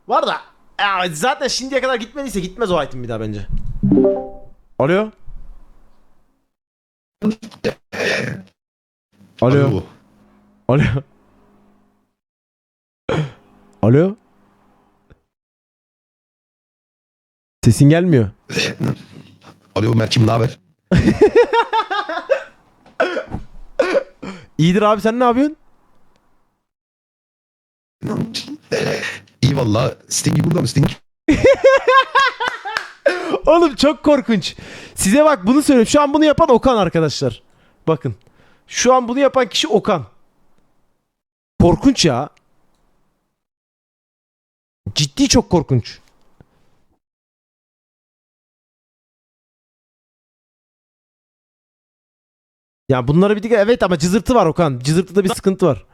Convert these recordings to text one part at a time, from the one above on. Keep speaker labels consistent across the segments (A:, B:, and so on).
A: Var da ya zaten şimdiye kadar gitmediyse gitmez o item bir daha bence. Alo? Alo?
B: Alo.
A: Alo? Alo? Sesin gelmiyor.
B: Alo Mert'cim, ne haber?
A: İyidir abi, sen ne yapıyorsun?
B: İyi valla. Sting burada mı Sting?
A: Oğlum çok korkunç. Size bak bunu söyleyeyim. Şu an bunu yapan Okan arkadaşlar. Bakın. Şu an bunu yapan kişi Okan. Korkunç ya. Ciddi çok korkunç. Ya bunlara bir dikkat, evet, ama cızırtı var Okan. Cızırtıda bir sıkıntı var.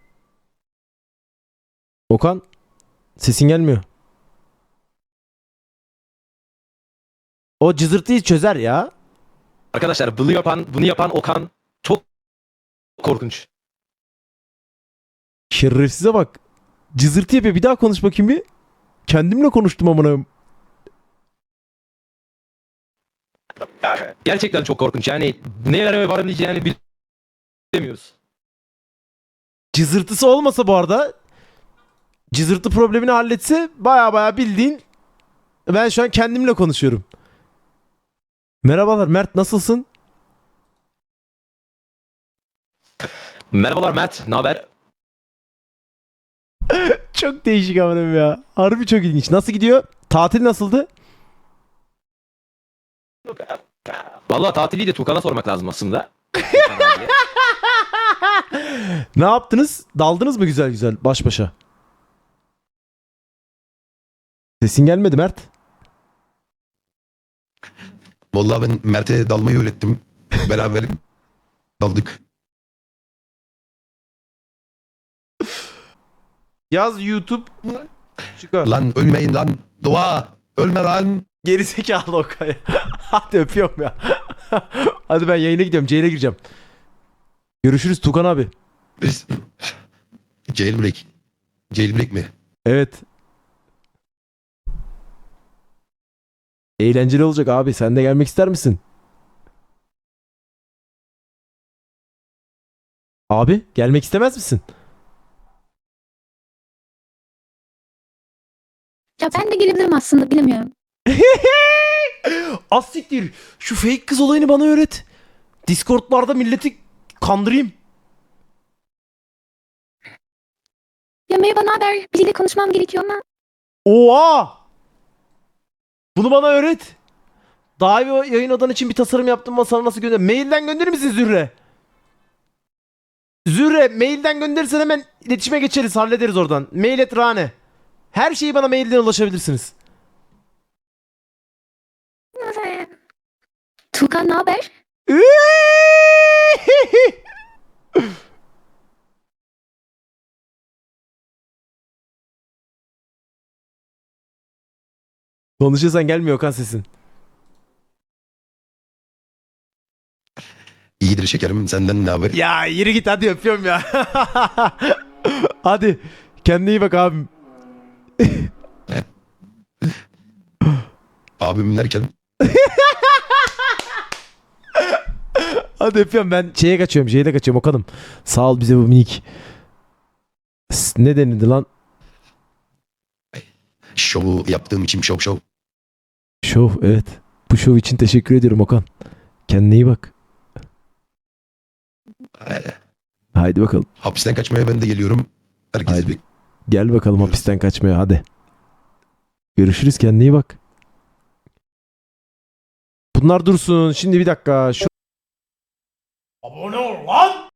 A: Okan, sesin gelmiyor. O cızırtıyı çözer ya.
C: Arkadaşlar bunu yapan Okan çok korkunç.
A: Şerefsize bak. Cızırtı yapıyor. Bir daha konuş bakayım bir. Kendimle konuştum amına.
C: Gerçekten çok korkunç. Yani nereye varabileceğini bilemiyoruz.
A: Cızırtısı olmasa bu arada, cızırtı problemini halletse baya baya bildiğin, ben şu an kendimle konuşuyorum. Merhabalar Mert, nasılsın?
C: Merhabalar Mert, ne haber?
A: Çok değişik amınım ya. Harbi çok ilginç. Nasıl gidiyor? Tatil nasıldı?
C: Vallahi tatili de Tukan'a sormak lazım aslında.
A: Ne yaptınız? Daldınız mı güzel güzel baş başa? Sesin gelmedi Mert.
B: Valla ben Mert'e dalmayı öğrettim. Beraber daldık.
A: Yaz YouTube. Çıkar.
B: Lan ölmeyin lan. Dua. Ölme lan.
A: Gerizekalı Okay. Hadi öpüyorum ya. Hadi ben yayına gidiyorum. Jail'e gireceğim. Görüşürüz Tukan abi.
B: Biz... Jailbreak. Jailbreak mi?
A: Evet. Eğlenceli olacak abi. Sen de gelmek ister misin? Abi gelmek istemez misin?
D: Ya ben de gelebilirim aslında, bilemiyorum.
A: Az siktir. Şu fake kız olayını bana öğret. Discord'larda milleti kandırayım.
D: Ya merhaba, naber? Biriyle konuşmam gerekiyor ama.
A: Oha! Bunu bana öğret. Daha iyi yayın odan için bir tasarım yaptım ama sana nasıl gönder? Mailden gönderir misin Zürre? Zürre mailden gönderirsen hemen iletişime geçeriz, hallederiz oradan. Mail et Rane. Her şeyi bana mailden ulaşabilirsiniz.
D: Tuğkan, ne haber?
A: Konuşuyorsan gelmiyor Okan sesin.
B: İyidir şekerim. Senden ne haber?
A: Ya yürü git hadi, öpüyorum ya. Hadi kendine iyi bak abim.
B: Abim derken.
A: Hadi öpüyorum, ben şeye kaçıyorum, Jail'e kaçıyorum Okan'ım. Sağ ol bize bu minik. Ne denildi lan?
B: Şovu yaptığım için şov.
A: Şov, evet. Bu şov için teşekkür ediyorum Okan. Kendine iyi bak. Haydi bakalım.
B: Hapisten kaçmaya ben de geliyorum. Herkes
A: Haydi.
B: bir...
A: Gel bakalım hapisten kaçmaya, hadi. Görüşürüz, kendine iyi bak. Bunlar dursun. Şimdi bir dakika. Abone ol lan!